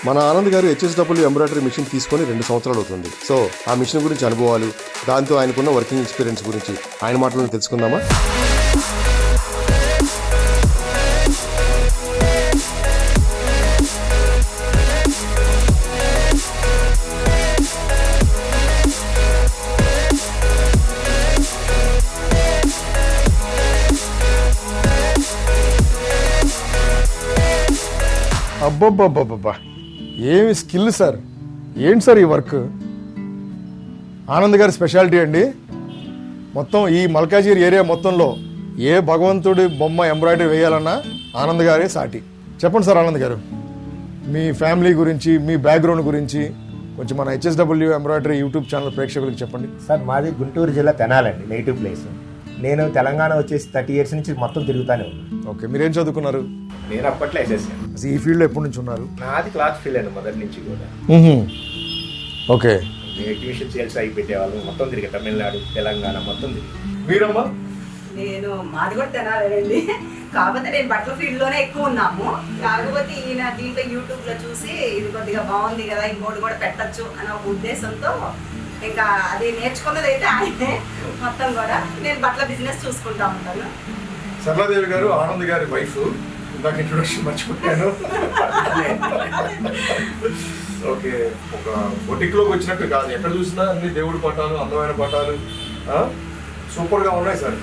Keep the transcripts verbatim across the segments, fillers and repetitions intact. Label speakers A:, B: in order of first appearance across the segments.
A: మన Anand garu HSW embroidery machine తీసుకొని రెండు సంవత్సరాలు అవుతుంది. సో ఆ మిషన్ గురించి అనుభవాలు, దాంతో ఆయనకున్న వర్కింగ్ ఎక్స్పీరియన్స్ గురించి ఆయన మాటలను తెలుసుకుందామా?
B: అబ్బబ్బబ్బబ్బబ్బా, ఏమి స్కిల్ సార్! ఏంటి సార్ ఈ వర్క్? ఆనంద్ గారి స్పెషాలిటీ అండి. మొత్తం ఈ మల్కాజిగిరి ఏరియా మొత్తంలో ఏ భగవంతుడి బొమ్మ ఎంబ్రాయిడరీ వేయాలన్నా ఆనంద్ గారే సాటి. చెప్పండి సార్ ఆనంద్ గారు, మీ ఫ్యామిలీ గురించి, మీ బ్యాక్గ్రౌండ్ గురించి కొంచెం మన హెచ్ఎస్డబ్ల్యూ ఎంబ్రాయిడరీ యూట్యూబ్ ఛానల్ ప్రేక్షకులకు చెప్పండి.
C: సార్ మాది గుంటూరు జిల్లా తెనాలండి, నేటివ్ ప్లేస్. నేను తెలంగాణ వచ్చేసి థర్టీ ఇయర్స్ నుంచి మొత్తం తిరుగుతానే ఉన్నాను.
B: ఓకే, మీరేం చదువుకున్నారు?
C: నేను అప్పట్లో ఎస్ఎస్సాను.
B: అసలు ఈ ఫీల్డ్లో ఎప్పటి నుంచి ఉన్నారు?
C: నాది క్లాత్ ఫీల్డ్ అండి మొదటి నుంచి కూడా.
B: ఓకే,
C: ఎగ్జిబిషన్ సేల్స్ అయి పెట్టేవాళ్ళం, మొత్తం తిరిగి తమిళనాడు, తెలంగాణ మొత్తం తిరిగి. మీరమ్మా?
D: నేను మాది కూడా తినాలండి, కాకపోతే నేను బట్టల ఫీల్డ్ లోనే ఎక్కువ ఉన్నాము. కాకపోతే ఈయన దీంట్లో యూట్యూబ్ లో చూసి ఇది కొద్దిగా బాగుంది కదా, ఇంకోటి కూడా పెట్టచ్చు అనే ఒక ఉద్దేశంతో ఇంకా అది నేర్చుకున్నది అయితే ఆయనే మొత్తం కూడా. నేను బట్టల బిజినెస్ చూసుకుంటా ఉంటాను.
B: సరళాదేవి గారు ఆనంద్ గారి వైఫ్. ఇందాక ఇంట్రొడక్షన్ మర్చిపోయాను. ఓకే, ఒక బొటిక్లోకి వచ్చినట్టు కాదు, ఎక్కడ చూసినా అన్ని దేవుడి పటాలు, అందమైన పటాలు సూపర్గా ఉన్నాయి సార్.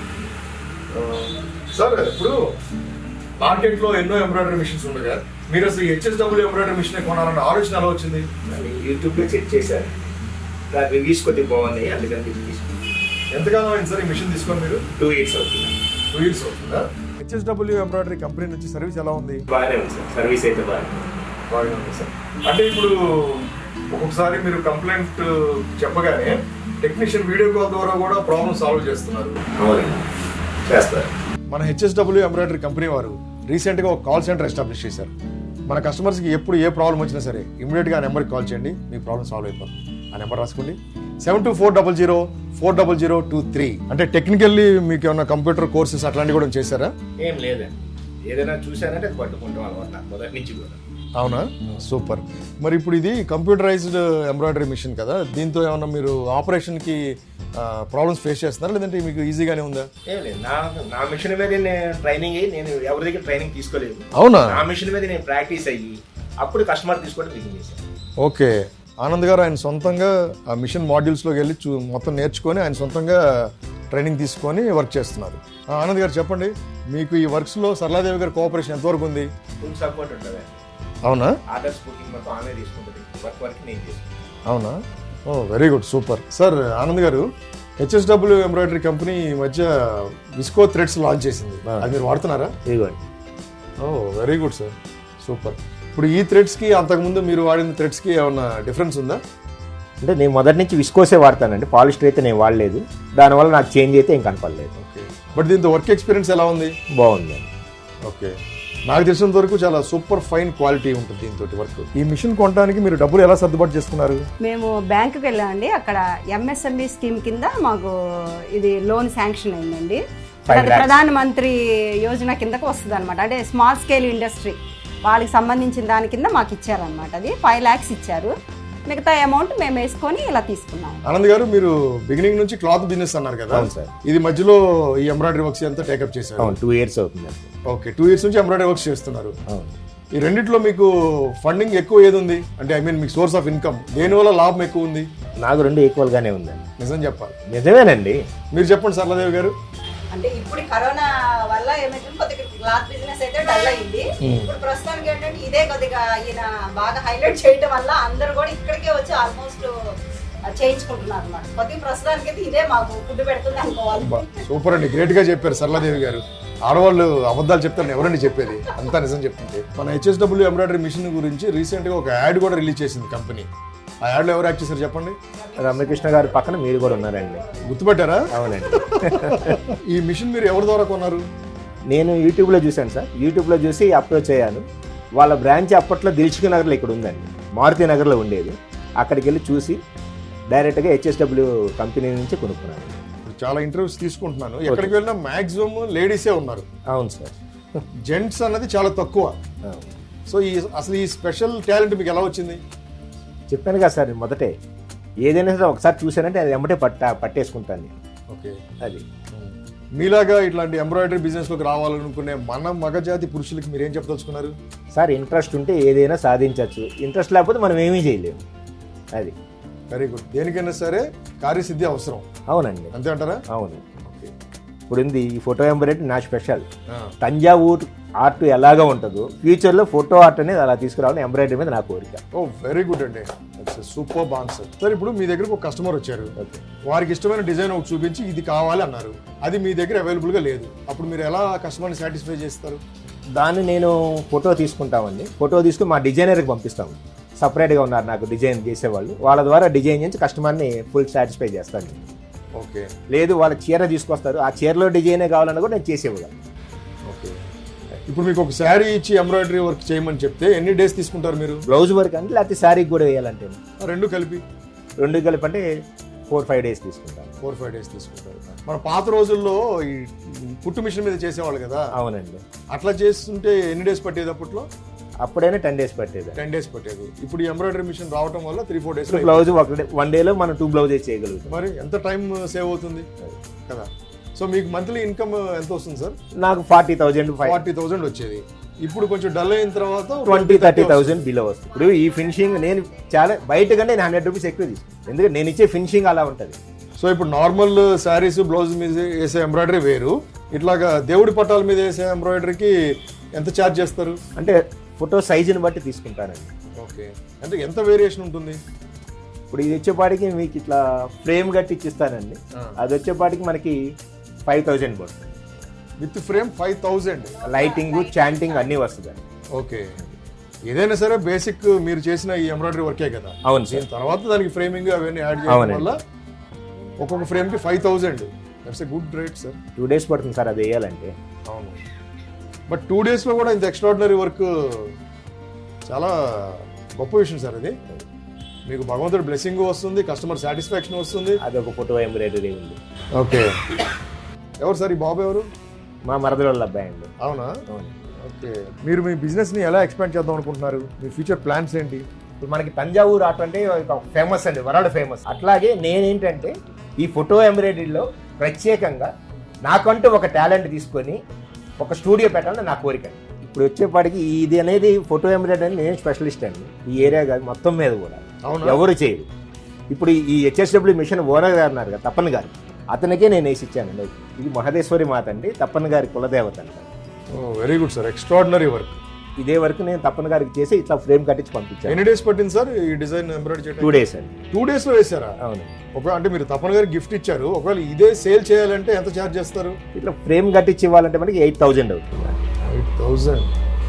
B: సార్ ఇప్పుడు మార్కెట్లో ఎన్నో ఎంబ్రాయిడరీ మిషన్స్ ఉండగా మీరు అసలు హెచ్ఎస్డబ్ల్యూ ఎంబ్రాయిడరీ మిషన్ కొనాలన్న ఆలోచన ఎలా వచ్చింది?
C: యూట్యూబ్లో చెక్ చేశారు, దాని రివ్యూస్ కొద్దిగా బాగున్నాయి, అందుకని
B: ఎంతకాలం అయింది సార్ ఈ మిషన్ తీసుకొని మీరు?
C: టూ ఇయర్స్ అవుతుంది.
B: టూ ఇయర్స్ అవుతుందా? హెచ్ఎస్డబ్ల్యూ ఎంబ్రాయిడరీ కంపెనీ నుంచి సర్వీస్ ఎలా ఉంది?
C: బాగానే ఉంది సార్, సర్వీస్ అయితే బాగా
B: బాగానే ఉంది సార్. అంటే ఇప్పుడు ఒక్కొక్కసారి మీరు కంప్లైంట్ చెప్పగానే టెక్నీషియన్ వీడియో కాల్ ద్వారా కూడా ప్రాబ్లమ్ సాల్వ్ చేస్తున్నారు.
C: అవునండి, చేస్తారు.
B: మన హెచ్ఎస్డబ్ల్యూ ఎంబ్రాయిడరీ కంపెనీ వారు రీసెంట్గా ఒక కాల్ సెంటర్ ఎస్టాబ్లిష్ చేశారు. మన కస్టమర్స్కి ఎప్పుడు ఏ ప్రాబ్లం వచ్చినా సరే ఇమీడియట్గా ఆ నెంబర్కి కాల్ చేయండి, మీ ప్రాబ్లం సాల్వ్ అయిపోతుంది. ఆ నెంబర్ రాసుకోండి, seven two four double zero four double zero two three. అంటే టెక్నికల్లీ మీకు ఏమన్నా కంప్యూటర్ కోర్సెస్ అట్లాంటివి కూడా చేశారా?
C: ఏం లేదండి, ఏదైనా చూసానంటే అది పట్టుకుంటాం అలవాటు మొదటి నుంచి కూడా.
B: అవునా, సూపర్. మరి ఇప్పుడు ఇది కంప్యూటరైజ్డ్ ఎంబ్రాయిడరీ మిషన్ కదా, దీంతో ఏమన్నా మీరు ఆపరేషన్కి ప్రాబ్లమ్స్ ఫేస్ చేస్తున్నారా, లేదంటే మీకు ఈజీగానే ఉందా?
C: ఏం లేదు, నా నా మిషన్ మీద నేను ట్రైనింగ్ అయ్యి, నేను ఎవరి దగ్గర ట్రైనింగ్ తీసుకోలేదు.
B: అవునా?
C: నా మిషన్ మీద నేను ప్రాక్టీస్ అయ్యి అప్పుడు కస్టమర్ తీసుకోవడం బిగిన్ చేశాను.
B: ఓకే, ఆనంద్ గారు ఆయన సొంతంగా ఆ మిషన్ మాడ్యూల్స్లోకి వెళ్ళి చూ మొత్తం నేర్చుకొని ఆయన సొంతంగా ట్రైనింగ్ తీసుకొని వర్క్ చేస్తున్నారు. ఆనంద్ గారు చెప్పండి, మీకు ఈ వర్క్స్లో సరళాదేవి గారి కోఆపరేషన్ ఎంతవరకు ఉంది?
C: ఫుల్ సపోర్ట్ ఉంటుంది.
B: అవునా?
C: ఆర్డర్స్ బుకింగ్ మొత్తం ఆమె తీసుకుంటుంది, వర్క్ వర్క్ నేను చేసుకుంటాను.
B: అవునా? Oh very good, super. Sir Anand garu, HSW embroidery company ఈ మధ్య విస్కో థ్రెడ్స్ లాంచ్ చేసింది, అది మీరు వాడుతున్నారా?
C: ఇదిగోండి.
B: Oh very good sir, super. ఇప్పుడు ఈ థ్రెడ్స్కి అంతకుముందు మీరు వాడిన థ్రెడ్స్కి ఏమన్నా డిఫరెన్స్ ఉందా?
C: అంటే నేను మొదటి నుంచి విస్కోసే వాడతానండి, పాలిస్టర్ అయితే నేను వాడలేదు, దానివల్ల నాకు చేంజ్ అయితే ఏం కనపడలేదు.
B: ఓకే, బట్ దీంతో వర్క్ ఎక్స్పీరియన్స్ ఎలా ఉంది?
C: బాగుంది.
B: ఓకే, నాకు తెలిసినంత వరకు చాలా సూపర్ ఫైన్ క్వాలిటీ ఉంటుంది దీంతో వర్క్. ఈ మిషన్ కొనడానికి మీరు డబ్బులు ఎలా సర్దుబాటు చేసుకున్నారు?
D: మేము బ్యాంకుకి వెళ్ళామండి, అక్కడ ఎంఎస్ఎంఈ స్కీమ్ కింద మాకు ఇది లోన్ శాంక్షన్ అయిందండి. ప్రధాన మంత్రి యోజన కిందకు వస్తుంది అనమాట. అంటే స్మాల్ స్కేల్ ఇండస్ట్రీ వాళ్ళకి సంబంధించిన దాని కింద మాకు ఇచ్చారనమాట. అది ఫైవ్ ల్యాక్స్ ఇచ్చారు, మిగతా అమౌంట్ మేము వేసుకొని ఇలా తీసుకున్నాం.
B: ఆనంద్ గారు, మీరు బిగినింగ్ నుంచి క్లాత్ బిజినెస్ అన్నారు కదా, ఇది మధ్యలో ఈ ఎంబ్రాయిడరీ వర్క్స్ అంతా టేకప్ చేశారు.
C: టూ ఇయర్స్ అవుతుంది.
B: ఓకే, టూ ఇయర్స్ నుంచి ఎంబ్రాయిడరీ వర్క్స్ చేస్తున్నారు. ఈ రెండిట్లో మీకు ఫండింగ్ ఎక్కువ ఏది ఉంది? అంటే ఐ మీన్ మీకు సోర్స్ ఆఫ్ ఇన్కమ్ దేనివల్ల లాభం ఎక్కువ ఉంది?
C: నాకు రెండు ఈక్వల్ గానే ఉందండి.
B: నిజం చెప్పాలి.
C: నిజమేనండి.
B: మీరు చెప్పండి సరళాదేవి గారు.
D: అంటే ఇప్పుడు కరోనా వల్ల ఏమైతే కొద్దిగా క్లాత్ బిజినెస్ అయితే డల్ అయింది. ఇప్పుడు ప్రస్తుతానికి ఏంటంటే ఇదే కొద్దిగా ఈయన బాగా హైలైట్ చేయడం వల్ల అందరూ కూడా ఇక్కడికే వచ్చి ఆల్మోస్ట్ చేయించుకుంటున్నారు అన్నమాట. కొద్దిగా ప్రస్తుతానికి అయితే ఇదే మాకు ఫుడ్ పెడుతుంది అనుకోవాలి.
B: సూపర్ అండి, గ్రేట్ గా చెప్పారు సరళాదేవి గారు. ఆడవాళ్ళు అబద్ధాలు చెప్తారని ఎవరండి చెప్పేది, అంతా నిజం చెప్తుంటే. మన హెచ్ఎస్డబ్ల్యూ ఎంబ్రాయిడరీ మిషన్ గురించి రీసెంట్ గా ఒక యాడ్ కూడా రిలీజ్ చేసింది కంపెనీ. ఆ యాడ్లో ఎవరు యాక్ట్ చేశారు చెప్పండి?
C: రమ్యకృష్ణ గారి పక్కన మీరు కూడా ఉన్నారండి.
B: గుర్తుపట్టారా?
C: అవునండి.
B: ఈ మిషన్ మీరు ఎవరి ద్వారా కొన్నారు?
C: నేను యూట్యూబ్లో చూశాను సార్, యూట్యూబ్లో చూసి అప్రోచ్ అయ్యాను. వాళ్ళ బ్రాంచ్ అప్పట్లో దిల్సుఖ్ నగర్లో ఇక్కడ ఉందండి, మారుతి నగర్లో ఉండేది. అక్కడికి వెళ్ళి చూసి డైరెక్ట్గా హెచ్ఎస్డబ్ల్యూ కంపెనీ నుంచి కొనుక్కున్నాను.
B: చాలా ఇంటర్వ్యూస్ తీసుకుంటున్నాను, ఎక్కడికి వెళ్ళినా మాక్సిమం లేడీసే ఉన్నారు.
C: అవును సార్,
B: జెంట్స్ అన్నది చాలా తక్కువ. సో ఈ అసలు ఈ స్పెషల్ టాలెంట్ మీకు ఎలా వచ్చింది?
C: చెప్పాను కదా సార్ మొదటే, ఏదైనా సరే ఒకసారి చూసానంటే అది ఎమ్మటే పట్ట పట్టేసుకుంటాను నేను.
B: ఓకే,
C: అది
B: మీలాగా ఇట్లాంటి ఎంబ్రాయిడరీ బిజినెస్లోకి రావాలనుకునే మన మగజాతి పురుషులకి మీరు ఏం చెప్పదలుచుకున్నారు?
C: సార్ ఇంట్రెస్ట్ ఉంటే ఏదైనా సాధించవచ్చు, ఇంట్రెస్ట్ లేకపోతే మనం ఏమీ చేయలేము. అది
B: వెరీ గుడ్. దేనికైనా సరే కార్యసిద్ధి అవసరం.
C: అవునండి,
B: అంతే అంటారా?
C: అవును.
B: ఓకే.
C: ఇప్పుడు ఉంది ఈ ఫోటో ఎంబ్రాయిడరీ నా స్పెషల్. తంజావూరు ఆర్ట్ ఎలాగా ఉంటుందో ఫ్యూచర్లో ఫోటో ఆర్ట్ అనేది అలా తీసుకురావాలని ఎంబ్రాయిడరీ మీద నా కోరిక.
B: ఓ వెరీ గుడ్ అండి, సూపర్ ఆన్సర్. సార్ ఇప్పుడు మీ దగ్గరకు ఒక కస్టమర్ వచ్చారు, వారికి ఇష్టమైన డిజైన్ ఒకటి చూపించి ఇది కావాలి అన్నారు, అది మీ దగ్గర అవైలబుల్గా లేదు, అప్పుడు మీరు ఎలా కస్టమర్ని సాటిస్ఫై చేస్తారు?
C: దాన్ని నేను ఫోటో తీసుకుంటామండి, ఫోటో తీసుకుని మా డిజైనర్కి పంపిస్తాము. సపరేట్గా ఉన్నారు నాకు డిజైన్ చేసేవాళ్ళు, వాళ్ళ ద్వారా డిజైన్ చేసి కస్టమర్ని ఫుల్ సాటిస్ఫై చేస్తాను.
B: ఓకే.
C: లేదు వాళ్ళ చీర తీసుకొస్తారు, ఆ చీరలో డిజైనే కావాలన్నా కూడా నేను చేసేవాళ్ళం.
B: ఓకే. ఇప్పుడు మీకు ఒక శారీ ఇచ్చి ఎంబ్రాయిడరీ వర్క్ చేయమని చెప్తే ఎన్ని డేస్ తీసుకుంటారు మీరు?
C: బ్లౌజ్ వర్క్ అంటే లేకపోతే శారీకి కూడా వేయాలంటే
B: రెండు కలిపి
C: రెండు కలిపి అంటే ఫోర్ ఫైవ్ డేస్ తీసుకుంటాను.
B: ఫోర్ ఫైవ్ డేస్ తీసుకుంటారు. మన పాత రోజుల్లో ఈ పుట్టు మిషన్ మీద చేసేవాళ్ళు కదా?
C: అవునండి.
B: అట్లా చేస్తుంటే ఎన్ని డేస్ పట్టేది అప్పట్లో?
C: అప్పుడైనా టెన్ డేస్ పట్టేది.
B: టెన్ డేస్ పట్టేది. ఇప్పుడు ఈ ఎంబ్రాయిడరీ మిషన్ రావడం వల్ల త్రీ ఫోర్ డేస్
C: బ్లౌజ్ ఒక వన్ డేలో మనం టూ బ్లౌజెస్ చేయగలుగుతాం.
B: మరి ఎంత టైం సేవ్ అవుతుంది కదా? సో మీకు మంత్లీ ఇన్కమ్ ఎంత వస్తుంది సార్?
C: నాకు ఫార్టీ థౌసండ్
B: ఫార్టీ థౌసండ్ వచ్చేది. ఇప్పుడు కొంచెం డల్ అయిన తర్వాత
C: ట్వంటీ థర్టీ థౌసండ్ బిలో వస్తుంది. ఇప్పుడు ఈ ఫినిషింగ్ నేను చాలా బయట కంటే నేను హండ్రెడ్ రూపీస్ ఎక్కువ తీసుకుంటాను, ఎందుకంటే నేను ఇచ్చే ఫినిషింగ్ అలా ఉంటుంది.
B: సో ఇప్పుడు నార్మల్ శారీస్ బ్లౌజ్ మీద వేసే ఎంబ్రాయిడరీ వేరు, ఇట్లాగా దేవుడి పట్టాల మీద వేసే ఎంబ్రాయిడరీకి ఎంత ఛార్జ్ చేస్తారు?
C: అంటే ఫోటో సైజుని బట్టి తీసుకుంటానండి.
B: ఓకే. అంటే ఎంత వేరియేషన్ ఉంటుంది?
C: ఇప్పుడు ఇది వచ్చేపాటికి మీకు ఇట్లా ఫ్రేమ్ కట్టి ఇచ్చిస్తానండి, అది వచ్చేపాటికి మనకి ఫైవ్ థౌజండ్ పడుతుంది.
B: With frame five thousand,
C: lighting చాంటింగ్ అన్నీ వస్తుందండి.
B: ఓకే. ఏదైనా సరే బేసిక్ మీరు చేసిన ఈ ఎంబ్రాయిడరీ వర్కే కదా?
C: అవును సార్.
B: దీని తర్వాత దానికి ఫ్రేమింగ్ అవన్నీ యాడ్ చేయడం వల్ల ఒక్కొక్క ఫ్రేమ్ కి five thousand. That's a good rate sir.
C: Two days పడుతుంది సార్ అది వేయాలంటే.
B: అవును, బట్ టూ డేస్ లో కూడా ఇంత ఎక్స్ట్రాడినరీ వర్క్ చాలా గొప్ప విషయం సార్. ఇది మీకు భగవంతుడు బ్లెస్సింగ్ వస్తుంది, కస్టమర్ సాటిస్ఫాక్షన్ వస్తుంది.
C: అది ఒక ఫోటో ఎంబ్రాయిడరీ ఉంది.
B: ఓకే. ఎవరు సార్ ఈ బాబు? ఎవరు?
C: మా మరదల వాళ్ళ అబ్బాయి అండి.
B: అవునా?
C: అవును.
B: ఓకే. మీరు మీ బిజినెస్ ని ఎలా ఎక్స్పాండ్ చేద్దాం అనుకుంటున్నారు? మీ ఫ్యూచర్ ప్లాన్స్ ఏంటి?
C: ఇప్పుడు మనకి తంజావూరు ఆర్ట్ అంటే ఫేమస్ అండి, వరల్డ్ ఫేమస్. అట్లాగే నేనేంటంటే ఈ ఫోటో ఎంబ్రాయిడరీలో ప్రత్యేకంగా నాకంటూ ఒక టాలెంట్ తీసుకొని ఒక స్టూడియో పెట్టాలని నా కోరిక. ఇప్పుడు వచ్చేపాటికి ఇది అనేది ఫోటో ఎంబ్రాయిడరీ అని నేను స్పెషలిస్ట్ అండి ఈ ఏరియా కాదు మొత్తం మీద కూడా. ఎవరు చేయరు. ఇప్పుడు ఈ హెచ్ఎస్డబ్ల్యూ మిషన్ ఓనర్ గారు ఉన్నారు కదా, తప్పన్ గారు, అతనికే నేను వేసి ఇచ్చాను. ఇది మహదేశ్వరి మాత అండి, తప్పన్ గారి కులదేవత అంట.
B: Very good sir, extraordinary work.
C: ఇదే వరకు నేను తప్పన్ గారికి చేసి ఇట్లా ఫ్రేమ్ కట్టించి పంపించాను.
B: ఎన్ని డేస్ పట్టింది సార్ ఈ డిజైన్ ఎంబ్రాయిడరీ చేయడం?
C: టూ డేస్ అండి.
B: టూ డేస్ లో వేసారా?
C: అవును.
B: ఒక అంటే మీరు తప్పన్ గారికి గిఫ్ట్ ఇచ్చారు, ఒకవేళ ఇదే సేల్ చేయాలంటే ఎంత ఛార్జ్ చేస్తారు?
C: ఇట్లా ఫ్రేమ్ కట్టించి ఇవ్వాలంటే మనకి ఎయిట్ థౌజండ్ అవుతుంది.
B: ఎయిట్ థౌజండ్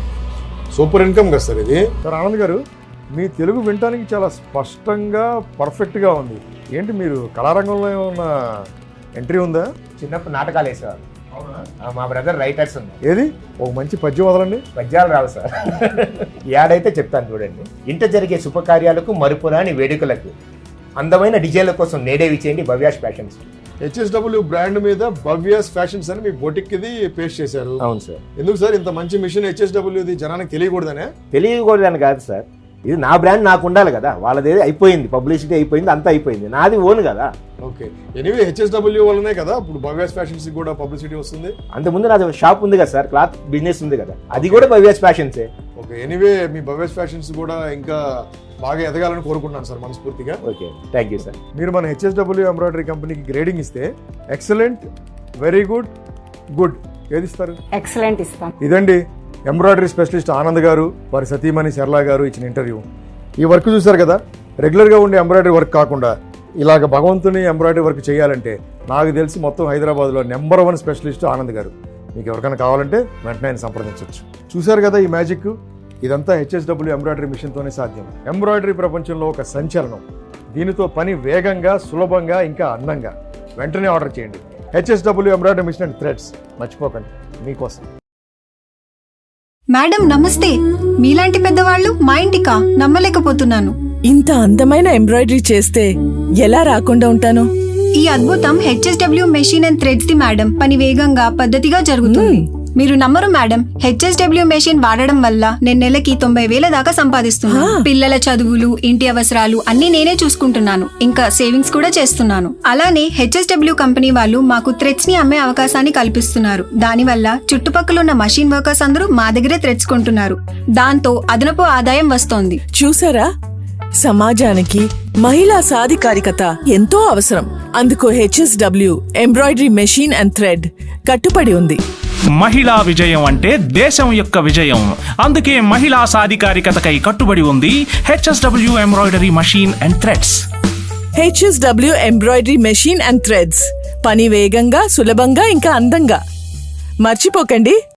B: సూపర్ ఇన్కమ్ కదా సార్ ఇది. సార్ ఆనంద్ గారు, మీ తెలుగు వినటానికి చాలా స్పష్టంగా పర్ఫెక్ట్గా ఉంది. ఏంటి మీరు కళారంగంలో ఏమన్నా ఎంట్రీ ఉందా?
C: చిన్నప్పుడు నాటకాలు వేసేవారు. మా బ్రదర్ రైటర్స్ ఉన్నారు.
B: ఏది ఒక మంచి పద్యం వదలండి.
C: పద్యాలు రావు సార్, యాడైతే చెప్తాను చూడండి. ఇంట జరిగే శుభకార్యాలకు మరుపురాని వేడుకలకు అందమైన డిజైన్ల కోసం నేడే విచేయండి భవ్యాష్ ఫ్యాషన్స్.
B: హెచ్ఎస్డబ్ల్యూ బ్రాండ్ మీద భవ్యాస్ ఫ్యాషన్స్ అని మీ బొటిక్ ఇది పేస్ట్ చేశారు.
C: అవును సార్.
B: ఎందుకు సార్ ఇంత మంచి మిషన్ హెచ్ఎస్డబ్ల్యూది జనానికి తెలియకూడదనే?
C: తెలియకూడదని కాదు సార్, ఇది నా బ్రాండ్ నాకు ఉండాలి కదా. వాళ్ళది అయిపోయింది, పబ్లిసిటీ అయిపోయింది, అంతా అయిపోయింది, నాది ఓన్ కదా.
B: ఓకే. ఎనీవే హెచ్ఎస్డబ్ల్యూ వల్లనే కదా ఇప్పుడు భవ్యాస్ ఫ్యాషన్స్ కూడా పబ్లిసిటీ వస్తుంది.
C: అంతకుముందు నాది షాప్ ఉంది కదా సార్, క్లాత్ బిజినెస్ ఉంది కదా, అది కూడా భవ్యాస్ ఫ్యాషన్సే.
B: ఓకే. ఎనీవే మీ భవ్యాస్ ఫ్యాషన్స్ కూడా ఇంకా బాగా ఎదగాలని కోరుకుంటున్నాను సార్ మనస్ఫూర్తిగా.
C: Okay, thank you sir.
B: మీరు మన హెచ్ఎస్డబ్ల్యూ ఎంబ్రాయిడరీ కంపెనీకి గ్రేడింగ్ ఇస్తే ఎక్సలెంట్, వెరీ గుడ్, గుడ్ ఏది ఇస్తారు?
D: ఎక్సలెంట్ ఇస్తాం.
B: ఇదండి ఎంబ్రాయిడరీ స్పెషలిస్ట్ ఆనంద్ గారు, వారి సతీమణి శర్లా గారు ఇచ్చిన ఇంటర్వ్యూ. ఈ వర్క్ చూసారు కదా, రెగ్యులర్గా ఉండే ఎంబ్రాయిడరీ వర్క్ కాకుండా ఇలాగ భగవంతుని ఎంబ్రాయిడరీ వర్క్ చేయాలంటే నాకు తెలిసి మొత్తం హైదరాబాద్లో నెంబర్ వన్ స్పెషలిస్ట్ ఆనంద్ గారు. మీకు ఎవరికైనా కావాలంటే వెంటనే ఆయన సంప్రదించవచ్చు. చూశారు కదా ఈ మ్యాజిక్, ఇదంతా హెచ్ఎస్డబ్ల్యూ ఎంబ్రాయిడరీ మిషన్తోనే సాధ్యం. ఎంబ్రాయిడరీ ప్రపంచంలో ఒక సంచలనం. దీనితో పని వేగంగా, సులభంగా, ఇంకా అందంగా. వెంటనే ఆర్డర్ చేయండి. HSW embroidery machine and threads మర్చిపోకండి, మీకోసం.
E: మేడం నమస్తే. మీలాంటి పెద్దవాళ్ళు మా ఇంటికా? నమ్మలేకపోతున్నాను.
F: ఇంత అందమైన ఎంబ్రాయిడరీ చేస్తే ఎలా రాకుండా ఉంటాను?
E: ఈ అద్భుతం హెచ్ఎస్డబ్ల్యూ మెషిన్ అండ్ థ్రెడ్స్ ది మేడం. పని వేగంగా, పద్ధతిగా జరుగుతుంది. మీరు నమ్మరు మేడం, హెచ్ఎస్డబ్ల్యూ మెషిన్ వాడడం వల్ల నేను నెలకి తొంభై వేల దాకా సంపాదిస్తున్నాను. పిల్లల చదువులు, ఇంటి అవసరాలు అన్ని నేనే చూసుకుంటున్నాను. ఇంకా సేవింగ్స్ కూడా చేస్తున్నాను. అలానే హెచ్ఎస్డబ్ల్యూ కంపెనీ వాళ్ళు మాకు థ్రెడ్స్ ని అమ్మే అవకాశాన్ని కల్పిస్తున్నారు. దానివల్ల చుట్టుపక్కల ఉన్న మషిన్ వర్కర్స్ అందరూ మా దగ్గరే థ్రెడ్స్ కొంటున్నారు. దాంతో అదనపు ఆదాయం వస్తోంది.
F: చూసారా, సమాజానికి మహిళా సాధికారికత ఎంతో అవసరం. అందుకు HSW embroidery machine and thread కట్టుబడి ఉంది.
G: మహిళా విజయం అంటే దేశం యొక్క విజయం. అందుకే మహిళా సాధికారికతకై కట్టుబడి ఉంది HSW embroidery machine and threads.
F: HSW embroidery machine and threads, పని వేగంగా, సులభంగా, ఇంకా అందంగా. మర్చిపోకండి.